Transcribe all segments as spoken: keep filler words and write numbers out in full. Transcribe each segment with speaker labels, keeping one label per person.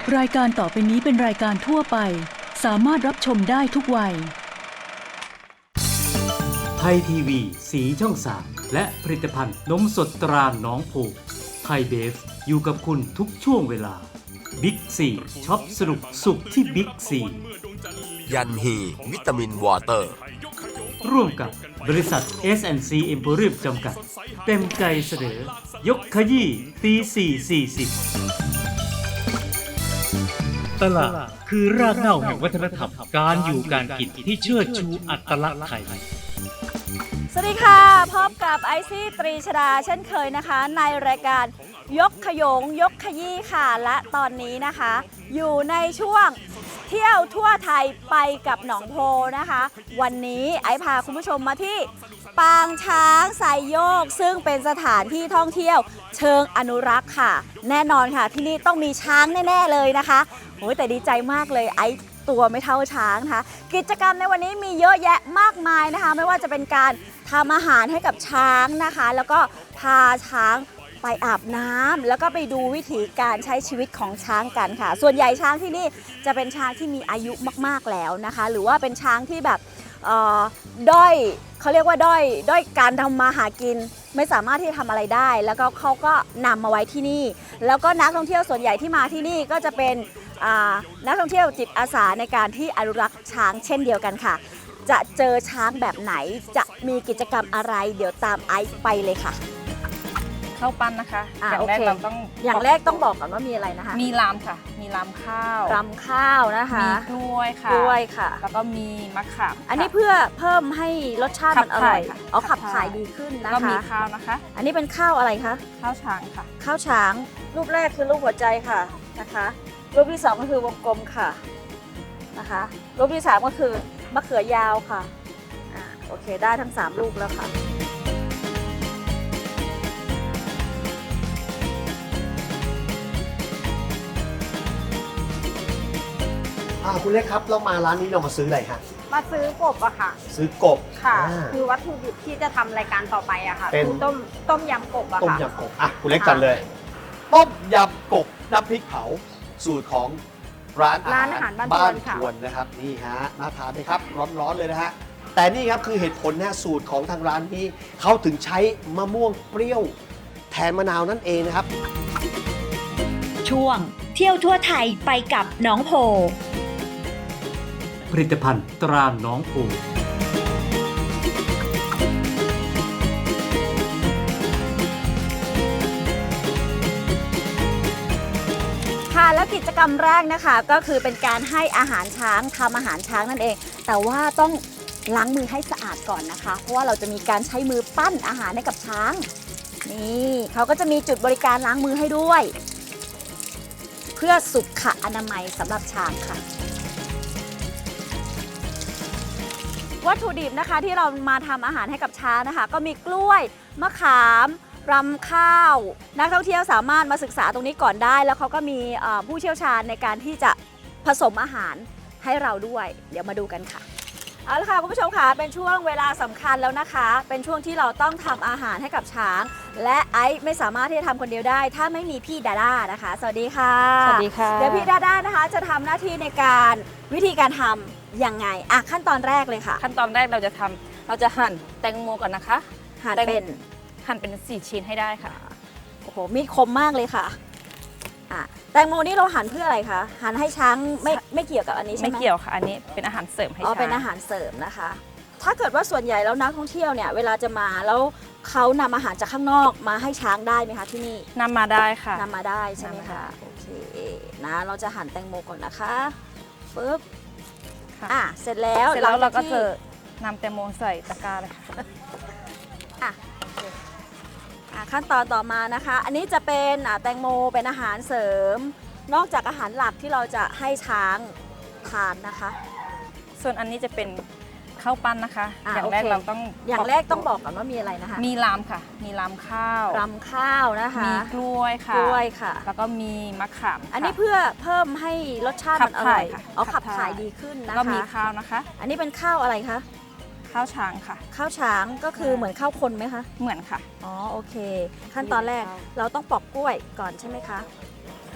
Speaker 1: รายการต่อไปนี้เป็นรายการทั่วไปสามารถรับชมได้ทุกวัย
Speaker 2: ไทยทีวีสีช่องสามและผลิตภัณฑ์นมสดตราหนองโพไทยเบฟอยู่กับคุณทุกช่วงเวลาบิ๊กซีช็อปสนุกสุขที่บิ๊กซี
Speaker 3: ยันฮีวิตามินวอเตอร์
Speaker 2: ร่วมกับบริษัท เอส แอนด์ ซี Emporium จำกัดเต็มใจเสนอยกขยี้ตีสี่สี่สิบตลาดคือรากเหง้าแห่งวัฒนธรรมการอยู่การกินที่เชิดชูอัตลักษณ์ไทย
Speaker 4: สวัสดีค่ะพบกับไอซี่ตรีชดาเช่นเคยนะคะในรายการยกขยงยกขยี้ค่ะและตอนนี้นะคะอยู่ในช่วงเที่ยวทั่วไทยไปกับหนองโพนะคะวันนี้ไอพาคุณผู้ชมมาที่ปางช้างไซโยกซึ่งเป็นสถานที่ท่องเที่ยวเชิงอนุรักษ์ค่ะแน่นอนค่ะที่นี่ต้องมีช้างแน่ๆเลยนะคะโอ้ยแต่ดีใจมากเลยไอตัวไม่เท่าช้างนะคะกิจกรรมในวันนี้มีเยอะแยะมากมายนะคะไม่ว่าจะเป็นการทำอาหารให้กับช้างนะคะแล้วก็พาช้างไปอาบน้ำแล้วก็ไปดูวิธีการใช้ชีวิตของช้างกันค่ะส่วนใหญ่ช้างที่นี่จะเป็นช้างที่มีอายุมากๆแล้วนะคะหรือว่าเป็นช้างที่แบบด้อยเขาเรียกว่าด้อยด้อยการทำมาหากินไม่สามารถที่จะทำอะไรได้แล้วก็เขาก็นำมาไว้ที่นี่แล้วก็นักท่องเที่ยวส่วนใหญ่ที่มาที่นี่ก็จะเป็นนักท่องเที่ยวจิตอาสาในการที่อนุรักษ์ช้างเช่นเดียวกันค่ะจะเจอช้างแบบไหนจะมีกิจกรรมอะไรเดี๋ยวตามไอซ์ไปเลยค่ะ
Speaker 5: ข้าวปั้นนะคะอย่างแรกเราต้อง
Speaker 4: อย่างแรกต้องบอกก่อนว่ามีอะไรนะคะ
Speaker 5: มีลามค่ะมีลามข้าว
Speaker 4: ลามข้าวนะคะ
Speaker 5: มีกล้วยค่ะ
Speaker 4: กล้วยค่ะ
Speaker 5: แล้วก็มีมะขาม
Speaker 4: อันนี้เพื่อเพิ่มให้รสชาติมันอร่อยเอาขับถ่ายดีขึ้นนะคะ
Speaker 5: ก็มีข้าวนะคะ
Speaker 4: อันนี้เป็นข้าวอะไรคะ
Speaker 5: ข้าวช้างค่ะ
Speaker 4: ข้าวช้างรูปแรกคือรูปหัวใจค่ะนะคะรูปที่สองก็คือวงกลมค่ะนะคะรูปที่สามก็คือมะเขือยาวค่ะอ่าโอเคได้ทั้งสามรูปแล้วค่ะ
Speaker 6: คุณเล็กครับเรามาร้านนี้เรามาซื้ออะไรฮะ
Speaker 7: มาซื้อกบอะค่ะ
Speaker 6: ซื้อกบ
Speaker 7: ค่ะคือวัตถุดิบที่จะทำรายการต่อไปอะค่ะ
Speaker 6: เป็น
Speaker 7: ต้มต้มยำกบอะค่ะ
Speaker 6: ต้มยำกบอ่ะคุณเล็กจัดเลยต้มยำกบน้ำพริกเผาสูตรของร้าน
Speaker 7: ร้านอาหารบ้าน
Speaker 6: ทวนนะครับนี่ฮะน่าทานไหมครับร้อนๆเลยนะฮะแต่นี่ครับคือเหตุผลนะสูตรของทางร้านนี้เขาถึงใช้มะม่วงเปรี้ยวแทนมะนาวนั่นเองนะครับ
Speaker 8: ช่วงเที่ยวทั่วไทยไปกับหนองโพ
Speaker 2: ผลิตภัณฑ์ตราหนองโพ
Speaker 4: ค่ะแล้วกิจกรรมแรกนะคะก็คือเป็นการให้อาหารช้างทำอาหารช้างนั่นเองแต่ว่าต้องล้างมือให้สะอาดก่อนนะคะเพราะว่าเราจะมีการใช้มือปั้นอาหารให้กับช้างนี่เขาก็จะมีจุดบริการล้างมือให้ด้วยเพื่อสุขอนามัยสำหรับช้างค่ะวัตถุดิบนะคะที่เรามาทำอาหารให้กับช้างนะคะก็มีกล้วยมะขามรำข้าวนักท่องเที่ยวสามารถมาศึกษาตรงนี้ก่อนได้แล้วเขาก็มีผู้เชี่ยวชาญในการที่จะผสมอาหารให้เราด้วยเดี๋ยวมาดูกันค่ะเอาละค่ะคุณผู้ชมค่ะเป็นช่วงเวลาสำคัญแล้วนะคะเป็นช่วงที่เราต้องทำอาหารให้กับช้างและไอซ์ไม่สามารถที่จะทำคนเดียวได้ถ้าไม่มีพี่ดาด้านะคะสวัสดีค่ะ
Speaker 5: สวัสดีค่ะ
Speaker 4: เดี๋ยวพี่ดาด้านะคะจะทำหน้าที่ในการวิธีการทำยังไงอ่ะขั้นตอนแรกเลยค่ะ
Speaker 5: ขั้นตอนแรกเราจะทำเราจะหั่นแตงโมก่อนนะคะ
Speaker 4: หั่นเป็น
Speaker 5: หั่นเป็นสี่ชิ้นให้ได้ค่ะ
Speaker 4: โอ้โหมีดคมมากเลยค่ะอ่ะแตงโมนี่เราหั่นเพื่ออะไรคะหั่นให้ช้างไม่ไม่เกี่ยวกับอันนี้ใช่ไหม
Speaker 5: ไม่เกี่ยวค่ะอันนี้เป็นอาหารเสริมให้ช้าง
Speaker 4: อ๋อเป็นอาหารเสริมนะคะถ้าเกิดว่าส่วนใหญ่แล้วนักท่องเที่ยวเนี่ยเวลาจะมาแล้วเขานำอาหารจากข้างนอกมาให้ช้างได้ไหมคะที่นี่
Speaker 5: นำมาได้ค่ะ
Speaker 4: นำมาได้ใช่ไหมคะโอเคนะเราจะหั่นแตงโมก่อนนะคะปึ๊บอ่ะเสร็จแล้ว
Speaker 5: เสร็จแล้วเราก็จะนำแตงโมใส่ตะกร้าเลยค่ะ
Speaker 4: อ่ะขั้นตอนต่อมานะคะอันนี้จะเป็นแตงโมเป็นอาหารเสริมนอกจากอาหารหลักที่เราจะให้ช้างทานนะคะ
Speaker 5: ส่วนอันนี้จะเป็นข้าวปั้นนะคะอย่างแรกเราต้อง
Speaker 4: อย่างแรกต้องบอกก่อนว่ามีอะไรนะคะ
Speaker 5: มีลามค่ะมีลามข้าว
Speaker 4: ลามข้าวนะคะ
Speaker 5: มีกล้วยค่ะ
Speaker 4: กล้วยค่ะ
Speaker 5: แล้วก็มีมะขาม
Speaker 4: อันนี้เพื่อเพิ่มให้รสชาติมันอร่อยเอาขับถ่ายดีขึ้นนะคะ
Speaker 5: ก็มีข้าวนะคะ
Speaker 4: อันนี้เป็นข้าวอะไรคะ
Speaker 5: ข้าวช้างค่ะ
Speaker 4: ข้าวช้างก็คือเหมือนข้าวคนไหมคะ
Speaker 5: เหมือนค่ะ
Speaker 4: อ๋อโอเคขั้นตอนแรกเราต้องปอกกล้วยก่อนใช่ไหมคะ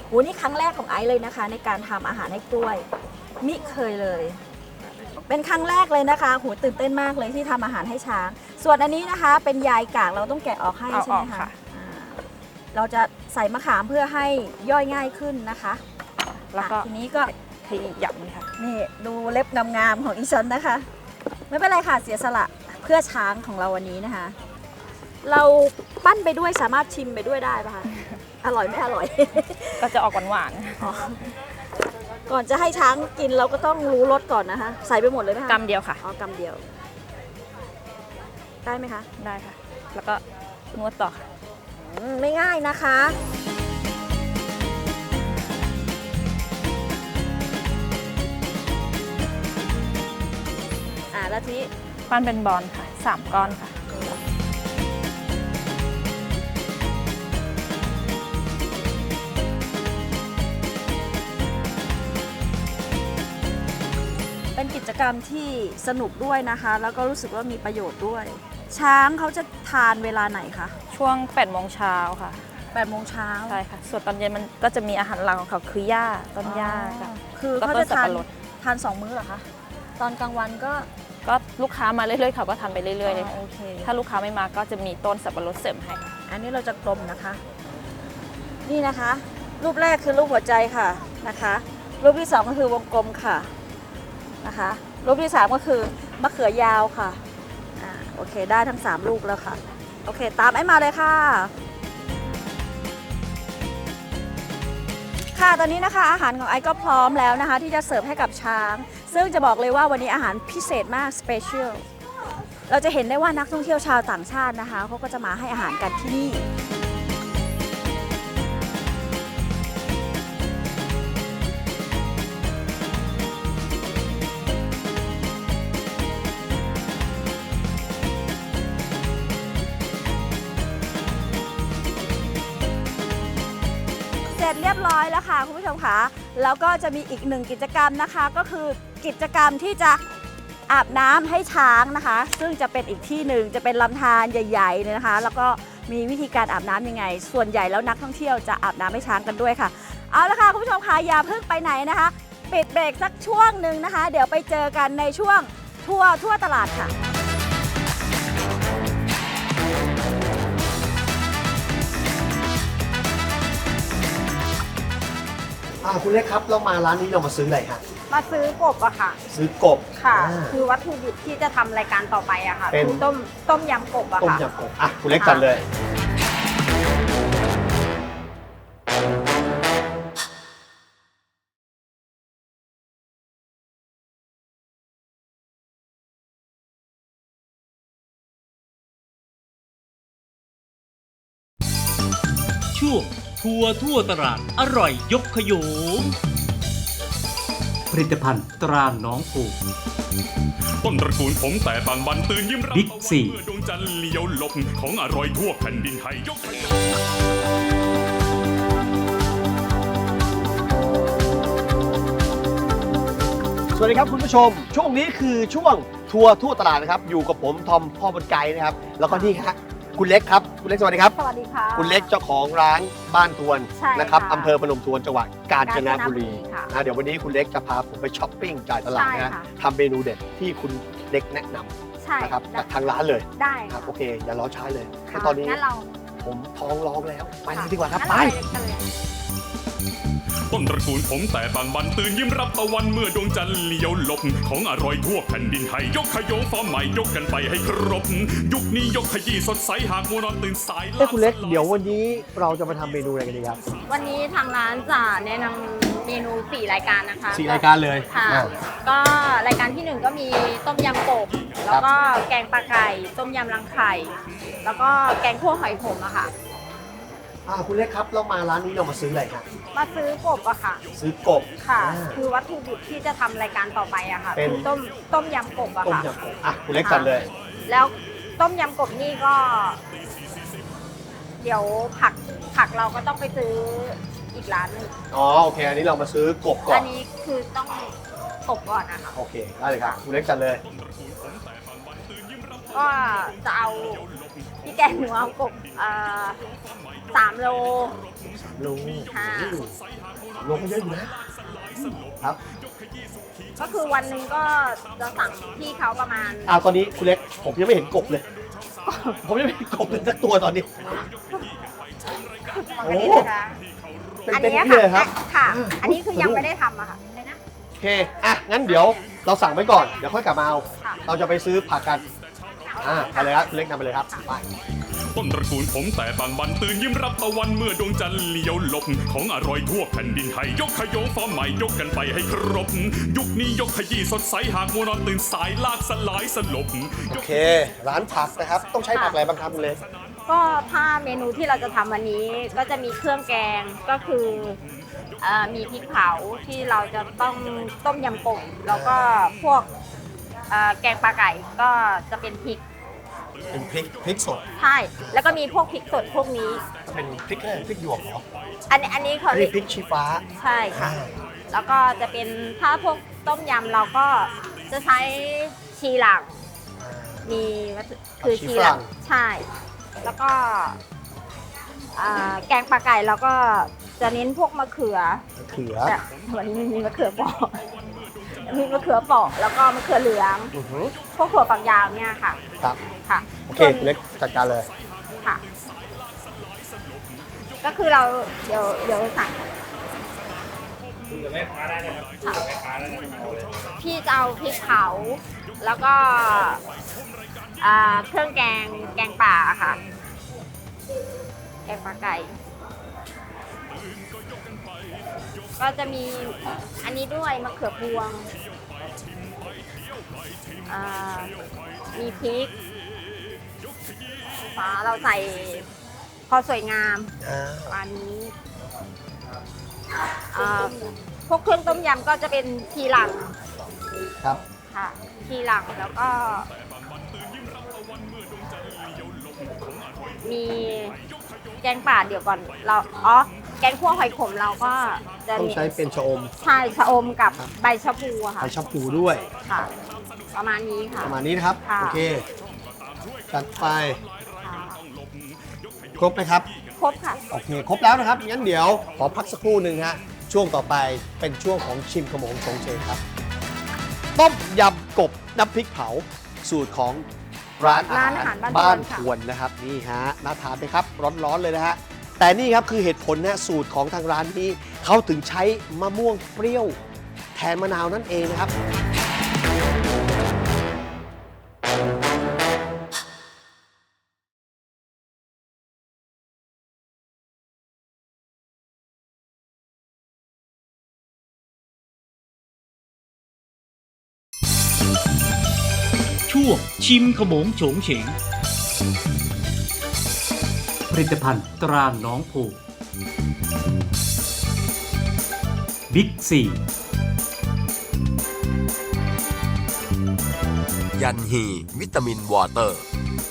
Speaker 4: โหนี่ครั้งแรกของไอซ์เลยนะคะ ในการทำอาหารให้กล้วยมิเคยเลย เป็นครั้งแรกเลยนะคะโหตื่นเต้นมากเลยที่ทำอาหารให้ช้าง ส่วนอันนี้นะคะเป็นใยกากเราต้องแกะออกให้
Speaker 5: เอา
Speaker 4: ใช่
Speaker 5: อ
Speaker 4: ไห
Speaker 5: อ
Speaker 4: ม
Speaker 5: ก
Speaker 4: คะ
Speaker 5: ค่ะ
Speaker 4: อ่าเราจะใส่มะขามเพื่อให้ย่อยง่ายขึ้นนะคะ
Speaker 5: แล้วก็
Speaker 4: อ่ะทีนี้ก็
Speaker 5: ขยับนี่ค่ะ
Speaker 4: นี่ดูเล็บงามๆของอีฉันนะคะ ไม่เป็นไรค่ะเสียสละเพื่อช้างของเราวันนี้นะคะ เราปั้นไปด้วยสามารถชิมไปด้วยได้ปะคะอร่อยไม่อร่อย
Speaker 5: ก็จะออกหวาน
Speaker 4: อ๋อก่อนจะให้ช้างกินเราก็ต้องรู้รสก่อนนะคะ ใส่ไปหมดเลยไหมคะ
Speaker 5: ๆกำเดียวค่ะ
Speaker 4: อ๋อกำเดียว ได้ไหมคะ
Speaker 5: ได้ค่ะ แล้วก็นวดต่อค่ะ
Speaker 4: อืมไม่ง่ายนะคะ อ่าแล้วทีนี้
Speaker 5: ปั้นเป็นบอลค่ะสามก้อนค่ะ
Speaker 4: เป็นกิจกรรมที่สนุกด้วยนะคะ แล้วก็รู้สึกว่ามีประโยชน์ด้วย ช้างเขาจะทานเวลาไหนคะ
Speaker 5: ช่วงแปดโมงเช้าค่ะ
Speaker 4: แปดโมงเช้า
Speaker 5: ใช่ค่ะ ส่วนตอนเย็นมันก็จะมีอาหารหลักของเขาคือหญ้าต้นหญ้าค่ะ
Speaker 4: คือ
Speaker 5: แล้วก็
Speaker 4: เขาจะทาน
Speaker 5: สับปะรด
Speaker 4: ทานสองมื้อเหรอคะ ตอนกลางวันก็
Speaker 5: ก็ลูกค้ามาเรื่อยๆเขาก็ทานไปเรื่อยๆเลย
Speaker 4: อ๋อ
Speaker 5: ค่ะ
Speaker 4: โอเค
Speaker 5: ถ้าลูกค้าไม่มาก็จะมีต้นสับปะรดเสริมให้ค่ะ
Speaker 4: อันนี้เราจะกลมนะคะ นี่นะคะ รูปแรกคือรูปหัวใจค่ะนะคะ รูปที่สองก็คือวงกลมค่ะนะคะ รูปที่สามก็คือมะเขือยาวค่ะอ่าโอเคได้ทั้งสามรูปแล้วค่ะ โอเคตามไอ้มาเลยค่ะ ค่ะตอนนี้นะคะอาหารของไอซ์ก็พร้อมแล้วนะคะ ที่จะเสิร์ฟให้กับช้าง ซึ่งจะบอกเลยว่าวันนี้อาหารพิเศษมากสเปเชียลเราจะเห็นได้ว่านักท่องเที่ยวชาวต่างชาตินะคะเขาก็จะมาให้อาหารกันที่นี่ เสร็จเรียบร้อยแล้วค่ะคุณผู้ชมค่ะแล้วก็จะมีอีกหนึ่งกิจกรรมนะคะ ก็คือกิจกรรมที่จะอาบน้ำให้ช้างนะคะ ซึ่งจะเป็นอีกที่หนึ่งจะเป็นลำธารใหญ่ๆเลยนะคะ แล้วก็มีวิธีการอาบน้ำยังไง ส่วนใหญ่แล้วนักท่องเที่ยวจะอาบน้ำให้ช้างกันด้วยค่ะเอาละค่ะคุณผู้ชมค่ะอย่าเพิ่งไปไหนนะคะ ปิดเบรกสักช่วงหนึ่งนะคะ เดี๋ยวไปเจอกันในช่วงทัวร์ทั่วตลาดค่ะ
Speaker 6: อ่าคุณเล็กครับเรามาร้านนี้เรามาซื้ออะไรฮะ
Speaker 7: มาซื้อกบอะค่ะ
Speaker 6: ซื้อกบ
Speaker 7: ค่ะ
Speaker 6: อ่า
Speaker 7: คือวัตถุดิบที่จะทำรายการต่อไปอะค่ะ
Speaker 6: เป็น
Speaker 7: คือต้มต้มยำกบอะ
Speaker 6: ต้ม
Speaker 7: ค่ะ
Speaker 6: ยำกบอ่ะคุณเล็กจัดเลย
Speaker 2: ช่วงทัวร์ทั่วตลาดอร่อยยกขยงผลิตภัณฑ์ตราหนองผูก
Speaker 9: ต้นตระกูลผมแต่บางบันตื่นยิ้มรับ
Speaker 2: บิ๊กซี
Speaker 9: เมื่อดวงจันทร์เลี้ยวหลบของอร่อยทั่วแผ่นดินไทยยกให้
Speaker 6: สวัสดีครับคุณผู้ชม ช่วงนี้คือช่วงทัวร์ทั่วตลาดนะครับ อยู่กับผมทอมพ่อบนไกด์นะครับ แล้วก็นี่ฮะคุณเล็กครับคุณเล็กสวัสดีครับ
Speaker 7: สวัสดีค่ะ
Speaker 6: คุณเล็กเจ้าของร้านบ้านทวน
Speaker 7: ใช่
Speaker 6: นะครับ
Speaker 7: ค่ะ
Speaker 6: อำเภอพนมทวนจังหวัดกาญจนบุรี
Speaker 7: กาญจนบุรีค่ะ
Speaker 6: นะเดี๋ยววันนี้คุณเล็กจะพาผมไปช้อปปิ้งจ่ายตลาด
Speaker 7: ใช่
Speaker 6: นะ
Speaker 7: ค่ะ
Speaker 6: ทำเมนูเด็ดที่คุณเล็กแนะนำ
Speaker 7: ใช่
Speaker 6: นะครับจากทางร้านเลย
Speaker 7: ได้
Speaker 6: ครั
Speaker 7: ค่ะ
Speaker 6: บโอเค อย่ารอช้าเลย
Speaker 7: ค่ะ
Speaker 6: ตอนนี้
Speaker 7: งั้นเรา
Speaker 6: ผมท้องร้องแล้วไป
Speaker 7: ค่ะ
Speaker 6: ดีกว่าครับ
Speaker 7: งั้น
Speaker 6: ไป
Speaker 7: เกันเลย
Speaker 9: ต้นตระกูลผมแต่บางบันตื่นยิ้มรับตะวันเมื่อดวงจันทร์เลี้ยวหลบของอร่อยทั่วแผ่นดินไทยยกขยงฟอร์มใหม่ยกกันไปให้ครบ ยุคนี้ยกขยี้สดใสหากมัวนอนตื่นสาย
Speaker 6: เอ้ยคุณเล็กเดี๋ยววันนี้เราจะมาทำเมนูอะไรกันดีครับ
Speaker 7: วันนี้ทางร้านจะแนะนำเมนูสี่รายการนะคะ
Speaker 6: สี่รายการเลย
Speaker 7: ค่ะ
Speaker 6: อ่า
Speaker 7: ก็รายการที่หนึ่งก็มีต้มยำกบ แล้วก็แกงปลาไก่ ต้มยำรังไข่ แล้วก็แกงคั่วหอยขมอะค่ะ
Speaker 6: อ่าคุณเล็กครับเรามาร้านนี้เรามาซื้ออะไรครับ
Speaker 7: มาซื้อกบอะค่ะ
Speaker 6: ซื้อกบ
Speaker 7: ค่ะ
Speaker 6: อ่า
Speaker 7: คือวัตถุดิบที่จะทำรายการต่อไปอะค่ะ
Speaker 6: เป็น
Speaker 7: คือต้มต้มยำกบอะ
Speaker 6: ต้ม
Speaker 7: ค่ะ
Speaker 6: ยำกบอ่ะคุณเล็กจัดเลย
Speaker 7: แล้วต้มยำกบนี่ก็ เดี๋ยวผักผักเราก็ต้องไปซื้ออีกร้านหนึง
Speaker 6: อ๋อโอเค อันนี้เรามาซื้อกบก่อ
Speaker 7: อั
Speaker 6: น
Speaker 7: นนี้คือต้องกบก่อนนะคะ
Speaker 6: โอเคได้เลยครับคุณเล็กจัดเลย
Speaker 7: ก็จะเอาพี่แกงหนูเอากบเอ่อสามโล
Speaker 6: โล
Speaker 7: ค่ะ
Speaker 6: โลก็เยอะอยู่นะครับ
Speaker 7: ก็คือวันหนึ่งก็จะสั่งพี่เขาประมาณ
Speaker 6: อ่าตอนนี้คุณเล็กผมยังไม่เห็นกบเลย ผมยังไม่เห็นกบเลยสักตัวตอนนี้
Speaker 7: อันนี้นะคะ
Speaker 6: เป็น
Speaker 7: อัน
Speaker 6: เป็น
Speaker 7: นี้
Speaker 6: นี่เลยครับ
Speaker 7: ค่ะ อันนี้คือยังไม่ได้ทำอะค่ะเลยนะ
Speaker 6: โอเค อ่ะ งั้นเดี๋ยวเราสั่งไว้ก่อน เดี๋ยวค่อยกลับมาเอา
Speaker 7: ค่ะ
Speaker 6: เราจะไปซื้อผักกัน อ่า ไปเลยครับคุณเล็กนำไปเลยครับ ไป
Speaker 9: ต้นตระกูลผมแต่บางบันตื่นยิ้มรับตะวันเมื่อดวงจันทร์เลี้ยวหลบของอร่อยทั่วแผ่นดินไทยยกขยงฟอร์มใหม่ยกกันไปให้ครบ ยุคนี้ยกขยี้สดใสหากมัวนอนตื่นสายลากสลายสลบ
Speaker 6: โอเค ร้านผักนะครับ ต้องใช้ผักอะไรบ้างครับคุณเล็ก
Speaker 7: ก็ถ้าเมนูที่เราจะทำวันนี้ก็จะมีเครื่องแกงก็คือเอ่อมีพริกเผาที่เราจะต้องต้มยำกบแล้วก็พวกเอ่อแกงปลาไก่ก็จะเป็นพริก
Speaker 6: เป็นพริก พริกสด
Speaker 7: ใช่แล้วก็มีพวกพริกสดพวกนี้
Speaker 6: เป็นพริกแค่พริกหยวกเหรอ
Speaker 7: อันนี้อันนี้เขา
Speaker 6: อัน
Speaker 7: เรี
Speaker 6: นี้
Speaker 7: ยก
Speaker 6: พริกชี้ฟ้า
Speaker 7: ใช่ค่ะ
Speaker 6: อ่า
Speaker 7: แล้วก็จะเป็นถ้าพวกต้มยำเราก็จะใช้ชีหลังมีวัตถุคือชีหลังใช่ แล้วก็อ่าแกงปลาไก่เราก็จะเน้นพวกมะเขือ
Speaker 6: มะเขือ
Speaker 7: แต่วันนี้มีมะเขือเปอกมีมะเขือเปอกแล้วก็มะเขือเหลือง
Speaker 6: อือหือ
Speaker 7: พวกถั่วฝักยาวเนี่ยค่ะ
Speaker 6: ครับ
Speaker 7: ค่ะ
Speaker 6: โอเคคุณเล็กจัดการเลย
Speaker 7: ค่ะ ก็คือเราเดี๋ยวเดี๋ยวสั่งพี่จะเอาพริกเผาแล้วก็อ่าเครื่องแกงแกงป่าค่ะ แกงปลาไก่ ก็จะมีอันนี้ด้วยมะเขือพวงอ่ามีพริกฟ้าเราใส่พอสวยงาม
Speaker 6: อ่า
Speaker 7: ประมาณนี้อ่าพวกเครื่องต้มยำก็จะเป็นทีหลัง
Speaker 6: ครับ
Speaker 7: ค่ะ ทีหลังแล้วก็ มีแกงป่าเดี๋ยวก่อนเราอ๋อแกงคั่วหอยขมเราก็จะ
Speaker 6: ต้องใช้เป็นชะอม
Speaker 7: ใช่ชะอมกับใบชะพูอะค่ะ
Speaker 6: ใช้ชะพูด้วย
Speaker 7: ค่ะ ประมาณนี้ค่ะ
Speaker 6: ประมาณนี้นะครับ
Speaker 7: ค่ะ
Speaker 6: โอเค จัดไป
Speaker 7: ค่ะ
Speaker 6: ครบไหมครับ
Speaker 7: ครบค่ะ
Speaker 6: โอเค ครบแล้วนะครับ งั้นเดี๋ยวขอพักสักครู่หนึ่งฮะ ช่วงต่อไปเป็นช่วงของชิมขโมงชงเชงครับ ต้มยำกบน้ำพริกเผา สูตรของร้านอา
Speaker 7: ร้าน
Speaker 6: หา
Speaker 7: อาหาร ร
Speaker 6: บ้า
Speaker 7: บ้าน น
Speaker 6: ท
Speaker 7: ท
Speaker 6: ว
Speaker 7: วน น
Speaker 6: นะครับ นี่ฮะ น่าทานไหมครับ ร้อนๆเลยนะฮะ แต่นี่ครับคือเหตุผลนะสูตรของทางร้านนี้เขาถึงใช้มะม่วงเปรี้ยว แทนมะนาวนั่นเองนะครับ
Speaker 2: ช่วงชิมขโมงโฉงเฉง ผลิตภัณฑ์ตราหนองโพบิ๊กซี
Speaker 3: ยันฮีวิตามินวอเตอร์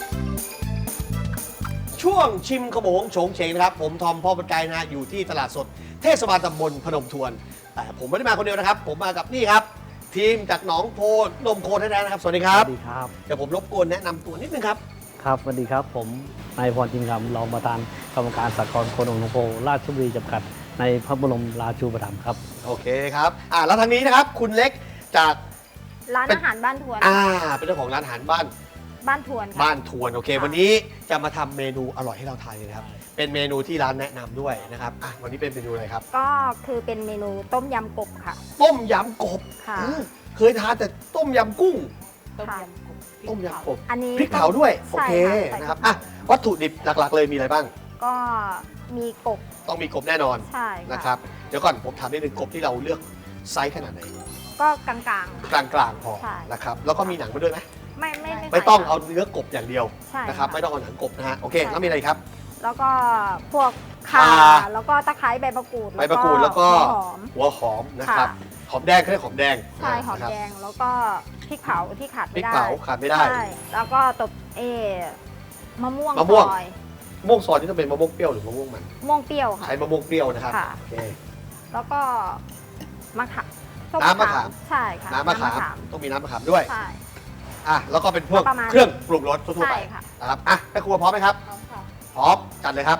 Speaker 6: ช่วงชิมขโมงโฉงเฉงนะครับ ผมทอมพ่อบันไกนะอยู่ที่ตลาดสดเทศบาลตำบลพนมทวน แต่ผมไม่ได้มาคนเดียวนะครับ ผมมากับนี่ครับ ทีมจากหนองโพนมโคแท้ๆนะครับ สวัสดีครับ
Speaker 10: สวัสดีครับ
Speaker 6: เดี๋ยวผมรบกวนแนะนำตัวนิดนึงครับ
Speaker 10: ครับสวัสดีครับ ผมนายพรจินคำรองประธานกรรมการสหกรณ์โคนมหนองโพราชบุรีจำกัดในพระบรมราชูปถัมภ์ครับ
Speaker 6: โอเคครับอ่าแล้วทางนี้นะครับ คุณเล็กจาก
Speaker 7: ร้าน
Speaker 6: เป็น
Speaker 7: อาหารบ้านทวน
Speaker 6: อ่าเป็นเจ้าของร้านอาหารบ้าน
Speaker 7: บ้านทวนค่ะ
Speaker 6: บ้านทวนโอเค วันนี้จะมาทำเมนูอร่อยให้เราทานเลยนะครับ เป็นเมนูที่ร้านแนะนำด้วยนะครับอ่ะวันนี้เป็นเมนูอะไรครับ
Speaker 7: ก็คือเป็นเมนูต้มยำกบค่ะ
Speaker 6: ต้มยำกบ
Speaker 7: ค่ะ
Speaker 6: เออเคยทานแต่ต้มยำกุ้ง
Speaker 7: ค่ะ
Speaker 6: ต้มยำกบ
Speaker 7: อันนี้
Speaker 6: พริกเผาด้วยโอ
Speaker 7: ใช่
Speaker 6: เค
Speaker 7: ใช่
Speaker 6: นะครับ
Speaker 7: พ
Speaker 6: อ่ะ
Speaker 7: กเผา
Speaker 6: วัตถุดิบหลักๆ เลยมีอะไรบ้าง
Speaker 7: ก็มีกบ
Speaker 6: ต้องมีกบแน่นอน
Speaker 7: ใช่
Speaker 6: นะครับเดี๋ยวก่อนผมถามนิดนึงกบที่เราเลือกไซส์ขนาดไหน
Speaker 7: ก็กลาง
Speaker 6: กลางๆพอ
Speaker 7: ใช่
Speaker 6: นะครับแล้วก็มีหนังมาด้วยไหม
Speaker 7: ๆ ไม่ไม่ไม่
Speaker 6: ไม่ต้อง
Speaker 7: ใส่
Speaker 6: เอาเนื้อกบอย่างเดียว
Speaker 7: ใช่
Speaker 6: นะครับ
Speaker 7: ค่ะ
Speaker 6: ไม่ต้องเอาหนังกบนะฮะโอเค
Speaker 7: ใช่
Speaker 6: แล้วมีอะไรครับ
Speaker 7: แล้วก็พวกข่า
Speaker 6: ข่า
Speaker 7: แล้วก็ตะไคร้ใบมะกรูด
Speaker 6: ใบมะกรูดแล้วก็
Speaker 7: หัวหอม
Speaker 6: หัวหอมนะครับ
Speaker 7: ค่ะ
Speaker 6: หอมแดงเขาเรียกหอมแดง
Speaker 7: ใช่หอม
Speaker 6: นะครับ
Speaker 7: แดงแล้วก็พริกเผาที่ขาด
Speaker 6: พริ
Speaker 7: ไม่
Speaker 6: ก
Speaker 7: ได้
Speaker 6: เผาขาดไม่ได้
Speaker 7: ใช่แล้วก็ตบเอมะม่วง
Speaker 6: มะม่วง
Speaker 7: ซอย
Speaker 6: มะม่วงซอยนี่ต้องเป็นมะม่วงเปรี้ยวหรือมะม่วงมัน
Speaker 7: ม่วงเปรี้ยวค่ะ
Speaker 6: ใช้มะม่วงเปรี้ยวนะครับ
Speaker 7: ค่ะ
Speaker 6: โอเค
Speaker 7: แล้วก็มะขามส้
Speaker 6: น้ำมะขาม
Speaker 7: ใช่ค่ะ
Speaker 6: น้ำมะขามต้องมีน้ำมะขามด้วย
Speaker 7: ใช่
Speaker 6: อ่ะแล้วก็เป็นพวก
Speaker 7: ประมาณ
Speaker 6: เครื่องปรุงรสทั่วๆไป
Speaker 7: ใช่ค่ะ
Speaker 6: นะครับอ่ะแม่ครัวพร้อมไหมครับ
Speaker 7: พร้อมค่ะ
Speaker 6: พร้อมจัดเลยครับ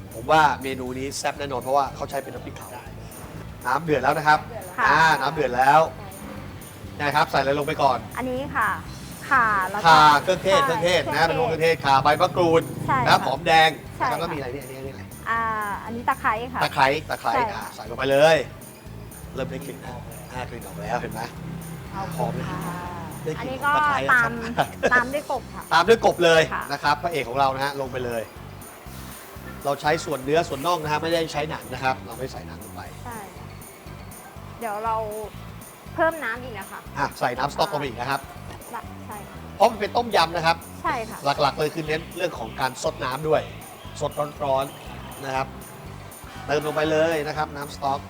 Speaker 6: ผมว่าเมนูนี้แซ่บแน่นอนเพราะว่าเขาใช้เป็นน้ำพริกเผาน้ำเดือดแล้วนะครับ
Speaker 7: ค่ะ
Speaker 6: อ่าน้ำเดือดแล้วนะครับใส่อะไรลงไปก่อน
Speaker 7: อันนี้ค่ะข่าแล้วก็
Speaker 6: ข่าเครื่องเทศ
Speaker 7: ใช่
Speaker 6: เครื่องเทศนะ
Speaker 7: ค
Speaker 6: เป็น
Speaker 7: รื่
Speaker 6: พว
Speaker 7: อก ง
Speaker 6: เครื่องเทศข่าใบมะกรูด
Speaker 7: ใช่
Speaker 6: นะ
Speaker 7: ค่ะ
Speaker 6: หอมแดง
Speaker 7: ใช่
Speaker 6: แล้วก็
Speaker 7: ค่ะ
Speaker 6: มีอะไรเนี่ยอันนี้อันนี้อะไร
Speaker 7: อ่าอันนี้ตะไคร้ค่ะ
Speaker 6: ตะไคร้ตะไคร้
Speaker 7: ใช่
Speaker 6: อ่า
Speaker 7: ค่ะ
Speaker 6: ใส่ลงไปเลยเริ่มได้กลิ่นแล้วอ่ากลิ่นออกแล้วเห็นไหมหอมเลย
Speaker 7: ค่ะ
Speaker 6: ได้กลิ่น
Speaker 7: อันนี้ก็
Speaker 6: ตะไคร้
Speaker 7: ตาม
Speaker 6: ครับ
Speaker 7: ตามด้วยกบค่ะ
Speaker 6: ตามด้วยกบเลย
Speaker 7: ค่ะ
Speaker 6: นะครับพระเอกของเรานะฮะลงไปเลย เราใช้ส่วนเนื้อส่วนน่องนะฮะไม่ได้ใช้หนังนะครับ เราไม่ใส่หนังลงไป
Speaker 7: ใช่ เดี๋ยวเราเพิ่มน้ำอีกนะคะ
Speaker 6: อ่ะใส่น้ำสต๊อกลงไปอีกนะครับ
Speaker 7: ใช่ค่ะ
Speaker 6: เพราะมันเป็นต้มยำนะครับ
Speaker 7: ใช่ค่ะ
Speaker 6: หลักๆเลยคือเน้นเรื่องของการซดน้ำด้วย สดร้อนๆนะครับเติมลงไปเลยนะครับ น้ำสต๊อก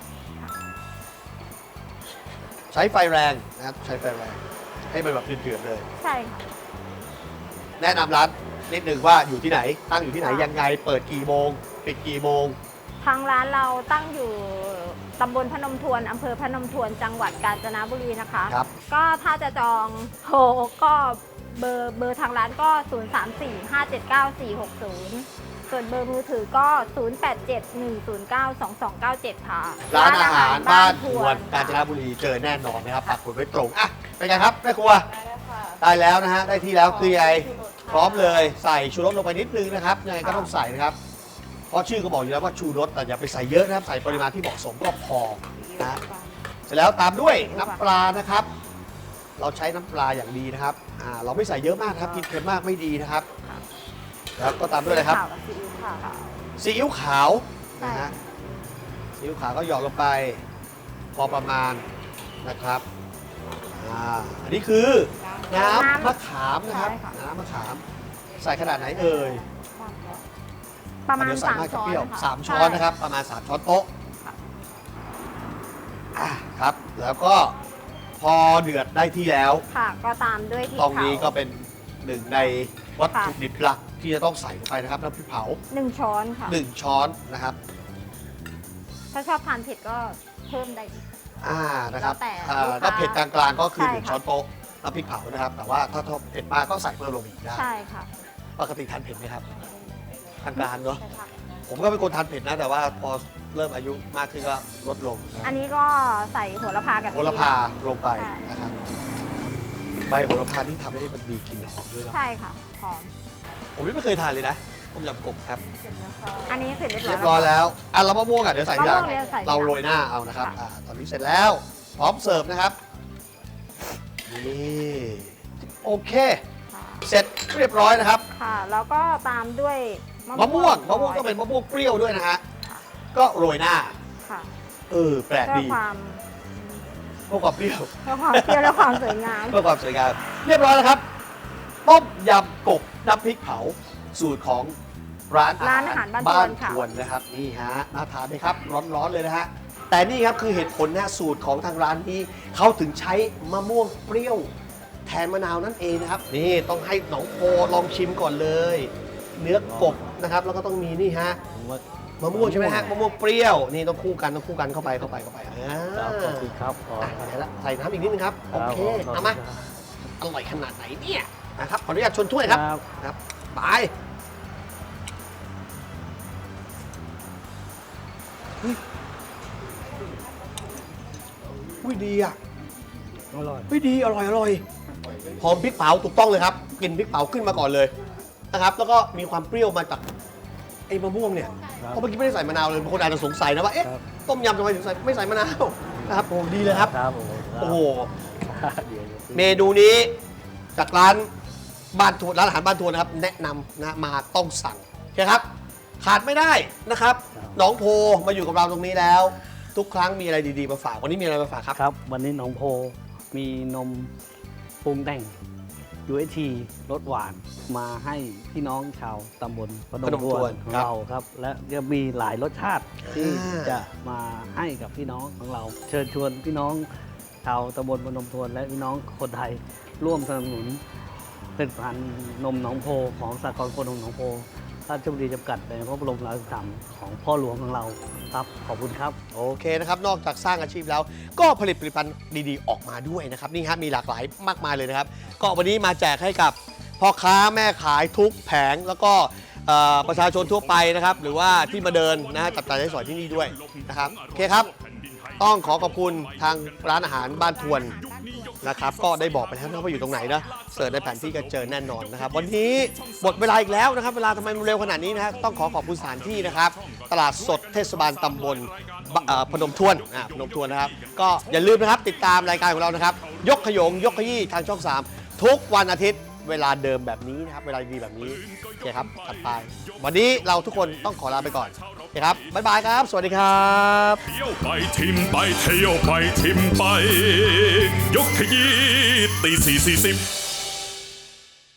Speaker 6: ใช้ไฟแรงนะครับใช้ไฟแรงให้มันแบบเดือดๆเลย
Speaker 7: ใช่ค่ะ
Speaker 6: แนะนำร้านนิดหนึ่งว่าอยู่ที่ไหน ตั้งอยู่ที่ไหน
Speaker 7: ค่ะ
Speaker 6: ยังไงเปิดกี่โมงปิดกี่โมง
Speaker 7: ทางร้านเราตั้งอยู่ตำบลพนมทวนอำเภอพนมทวน จังหวัดกาญจนบุรีนะคะ
Speaker 6: ครับ
Speaker 7: ก็ถ้าจะจองโทรก็เบอร์เบอร์ทางร้านก็ ศูนย์ สาม สี่ ห้า เจ็ด เก้า สี่ หก ศูนย์ ส่วนเบอร์มือถือก็ ศูนย์ แปด เจ็ด หนึ่ง ศูนย์ เก้า สอง สอง เก้า เจ็ด ค่ะ
Speaker 6: ร้านอาหารบ้านทวน
Speaker 7: ค่ะ
Speaker 6: กาญจนบุรีเจอแน่นอนนะครับปักหมุดไว้ตรงอ่ะเป็นไงครับแม่ครัวได้แล้วนะฮะได้ที่แล้วคือไงพร้อมเลยใส่ชูรสลงไปนิดนึงนะครับยังไงก็ต้องใส่นะครับเพราะชื่อก็บอกอยู่แล้วว่าชูรสแต่อย่าไปใส่เยอะนะครับใส่ปริมาณที่เหมาะสมก็พอนะเสร็จแล้วตามด้วยน้ำปลานะครับ เราใช้น้ำปลาอย่างดีนะครับอ่าเราไม่ใส่เยอะมากนะครับกินเค็มมากไม่ดีนะครับแล้วก็ตามด้วยอะไรครับ
Speaker 7: ข่าวกับซีอิ๊วค่ะ
Speaker 6: ซีอิ๊วขาวนะฮะซีอิ๊วขาวก็หยอดลงไปพอประมาณนะครับอ่าอันนี้คือน้ำมะขามนะครับ
Speaker 7: ใช่ค่ะ
Speaker 6: น้ำมะขามใส่ขนาดไหนเอ่ย
Speaker 7: ประมาณ
Speaker 6: เดี๋ยวใส่
Speaker 7: สาม
Speaker 6: มากจะ
Speaker 7: ช้อ
Speaker 6: เป
Speaker 7: น
Speaker 6: รี้ยว
Speaker 7: ค่ะ
Speaker 6: สามช้อนนะครับ ประมาณสามช้อนโต๊ะ
Speaker 7: ค่ะ
Speaker 6: อ่ะครับ แล้วก็พอเดือดได้ที่แล้ว
Speaker 7: ค่ะ ก็ตามด้วยพริก
Speaker 6: ตรงนี้ก็
Speaker 7: เผา
Speaker 6: เป็นหนึ่งในวัตถุ
Speaker 7: ค่ะ
Speaker 6: ดิบหลักที่จะต้องใส่ลงไปนะครับน้ำพริกเผา
Speaker 7: หนึ่งช้อนค่ะ
Speaker 6: หนึ่งช้อนนะครับ
Speaker 7: ถ้าชอบทานเผ็ดก็เพิ่มได้อีก
Speaker 6: อ่านะครับ
Speaker 7: แล้วแต่
Speaker 6: อ่า
Speaker 7: ลูกค้า
Speaker 6: ถ้าเผ็ดกลางๆก็คือ
Speaker 7: ใช่
Speaker 6: หนึ่ง
Speaker 7: ค่ะ
Speaker 6: ช้อนโต๊ะน้ำพริกเผานะครับ แต่ว่าถ้าเผ็ดมากก็ใส่เพิ่มลงอีกได้
Speaker 7: ใช่ค่ะ
Speaker 6: ปกติทานเผ็ดไหมครับกลางๆเนาะ
Speaker 7: ใช่ค่ะ
Speaker 6: ผมก็เป็นคนทานเผ็ดนะ แต่ว่าพอเริ่มอายุมากขึ้นก็ลดลงนะ
Speaker 7: อันนี้ก็ใส่โหระพากับ
Speaker 6: โหระพาลงไป
Speaker 7: ใช่
Speaker 6: นะครับใบโหระพาที่ทำให้มันมีกลิ่นหอมด้วยนะ
Speaker 7: ใช่ค่ะหอม
Speaker 6: ผมไม่เคยทานเลยนะต้มยำกบครับ
Speaker 7: อันนี้เสร็จเรียบร้อย
Speaker 6: เรียบร้อยแล้วอ่ะเรามะม่วงอ่ะเดี๋ยวใส่ทีหลัง
Speaker 7: มะม่วงเนี่ยใส่ทีหลัง
Speaker 6: เราโรยหน้าเอานะครับ
Speaker 7: ค่ะ
Speaker 6: อ่าตอนนี้เสร็จแล้ว พร้อมเสิร์ฟนะครับนี่โอเค
Speaker 7: ค่ะ
Speaker 6: เสร็จเรียบร้อยนะครับ
Speaker 7: ค่ะ แล้วก็ตามด้วย
Speaker 6: มะม่วงมะม่วงต้องเป็นมะม่วงเปรี้ยวด้วยนะฮะก็โรยหน้า
Speaker 7: ค่ะ
Speaker 6: เออแปลก
Speaker 7: เพื่อ
Speaker 6: ดี
Speaker 7: ความ
Speaker 6: เพื่อความเปรี้ยว
Speaker 7: เพื่อความเปรี้ยวและความสวยงาม
Speaker 6: เพื่อความสวยงามเรียบร้อยแล้วครับต้มยำกบน้ำพริกเผาสูตรของร้าน
Speaker 7: ร้านอาหารบ้าน
Speaker 6: บ้าน
Speaker 7: ทวนค่ะ
Speaker 6: ทวนนะครับนี่ฮะน่าทานไหมครับร้อนๆเลยนะฮะแต่นี่ครับคือเหตุผลนะสูตรของทางร้านนี้เขาถึงใช้มะม่วงเปรี้ยวแทนมะนาวนั่นเองนะครับนี่ต้องให้หนองโพลองชิมก่อนเลย เนื้อกบนะครับแล้วก็ต้องมีนี่ฮะ
Speaker 10: ผมว่าม
Speaker 6: ะม่วงใช่ไหมฮะมะม่วงเปรี้ยวนี่ต้องคู่กันต้องคู่กันเข้าไปเข้าไปเข้าไปอ่า
Speaker 10: ครับขอบคุณครับขอ
Speaker 6: อ่ะใส่ละใส่น้ำอีกนิดนึงครับโอเค
Speaker 10: ครับ
Speaker 6: เอามาอร่อยขนาดไหนเนี่ยนะครับขออนุญาตชนถ้วยครับ
Speaker 10: ครับ
Speaker 6: ครับไปเฮ้ยอุ้ยดีอ่ะ
Speaker 10: อร่อย
Speaker 6: อุ้ยดีอร่อยอร่อยหอมพริกเผาถูกต้องเลยครับกลิ่นพริกเผาขึ้นมาก่อนเลยนะครับ แล้วก็มีความเปรี้ยวมาจากไอ้มะม่วงเนี่ย
Speaker 10: ครับ
Speaker 6: เพราะเมื่อกี้ไม่ได้ใส่มะนาวเลยบางคนอาจจะสงสัยนะว่าเอ๊ะ
Speaker 10: ครับ
Speaker 6: ต้มยำทำไมถึงใส่ไม่ใส่มะนาวนะครับโอ้ดีเลยครับ
Speaker 10: ครับผม
Speaker 6: โอ้โห
Speaker 10: เดี๋ยวๆ
Speaker 6: เมนูนี้จากร้านบ้านทวนร้านอาหารบ้านทวนนะครับ แนะนำนะมาต้องสั่งโอเคครับ ขาดไม่ได้นะครับ
Speaker 10: ครับ
Speaker 6: น้องโพมาอยู่กับเราตรงนี้แล้ว ทุกครั้งมีอะไรดีๆมาฝากวันนี้มีอะไรมาฝากครับ
Speaker 10: ครับ วันนี้หนองโพมีนมปรุงแต่ง ยู เอช ที รสหวานมาให้พี่น้องชาวตำบลพนมทวนของเราครับ และยังมีหลายรสชาติที่
Speaker 6: อ่า
Speaker 10: จะมาให้กับพี่น้องของเรา เชิญชวนพี่น้องชาวตำบลพนมทวน และพี่น้องคนไทยร่วมสนับสนุนผลิตภัณฑ์นมหนองโพของสากลคนนมหนองโพราชบุรีจำกัดในพระบรมราชูปถัมภ์ของพ่อหลวงของเราครับขอบคุณครับ
Speaker 6: โอเคนะครับ นอกจากสร้างอาชีพแล้ว ก็ผลิตผลิตภัณฑ์ดีๆ ออกมาด้วยนะครับนี่ฮะมีหลากหลายมากมายเลยนะครับ ก็วันนี้มาแจกให้กับพ่อค้าแม่ขายทุกแผงแล้วก็เอ่อประชาชนทั่วไปนะครับหรือว่าที่มาเดินนะฮะจับจ่ายใช้สอยที่นี่ด้วยนะครับโอเคครับต้องขอขอบคุณทางร้านอาหารบ้านทวนนะครับก็ได้บอกไปแล้วนะว่าอยู่ตรงไหนนะเสิร์ชในแผนที่ก็เจอแน่นอนนะครับวันนี้หมดเวลาอีกแล้วนะครับเวลาทำไมมันเร็วขนาดนี้นะฮะต้องขอขอบคุณสถานที่นะครับตลาดสดเทศบาลตำบลเอ่อพนมทวนอ่าพนมทวนนะครับก็อย่าลืมนะครับติดตามรายการของเรานะครับยกขยงยกขยี้ทางช่องสามทุกวันอาทิตย์เวลาเดิมแบบนี้นะครับเวลาดีแบบนี้โอเคครับตัดไปวันนี้เราทุกคนต้องขอลาไปก่อนโอเคครับบ๊ายบายครับสวัสดีครับ
Speaker 9: เที่ยวไปทิมไปเที่ยวไปทิมไป ยกขยี้ตีสี่สี่สิบ